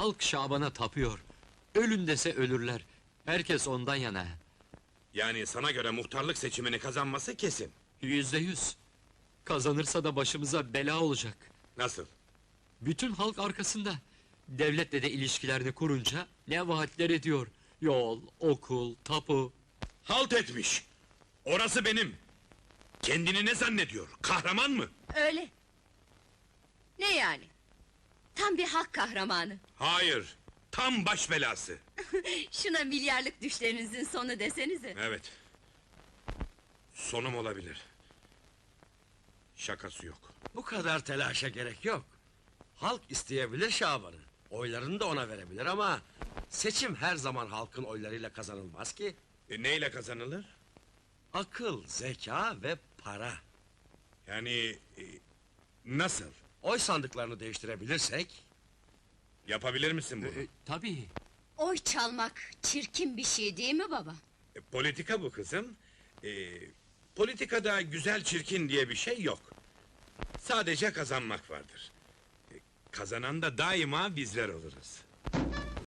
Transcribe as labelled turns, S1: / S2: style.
S1: Halk Şaban'a tapıyor. Ölün dese ölürler. Herkes ondan yana.
S2: Yani sana göre muhtarlık seçimini kazanması kesin.
S1: %100. Kazanırsa da başımıza bela olacak.
S2: Nasıl?
S1: Bütün halk arkasında. Devletle de ilişkilerini kurunca ne vaatler ediyor. Yol, okul, tapu.
S2: Halt etmiş! Orası benim! Kendini ne zannediyor? Kahraman mı?
S3: Öyle. Ne yani? Tam bir halk kahramanı.
S2: Hayır! Tam baş belası!
S3: Şuna milyarlık düşlerinizin sonu desenize.
S2: Evet. Sonum olabilir. Şakası yok.
S4: Bu kadar telaşa gerek yok. Halk isteyebilir Şaban'ı. Oylarını da ona verebilir ama... ...seçim her zaman halkın oylarıyla kazanılmaz ki.
S2: Neyle kazanılır?
S4: Akıl, zeka ve para.
S2: Yani... nasıl?
S4: Oy sandıklarını değiştirebilirsek...
S2: Yapabilir misin bunu?
S1: Tabii.
S3: Oy çalmak çirkin bir şey değil mi baba?
S2: Politika bu kızım. Politikada güzel çirkin diye bir şey yok. Sadece kazanmak vardır. Kazanan da daima bizler oluruz.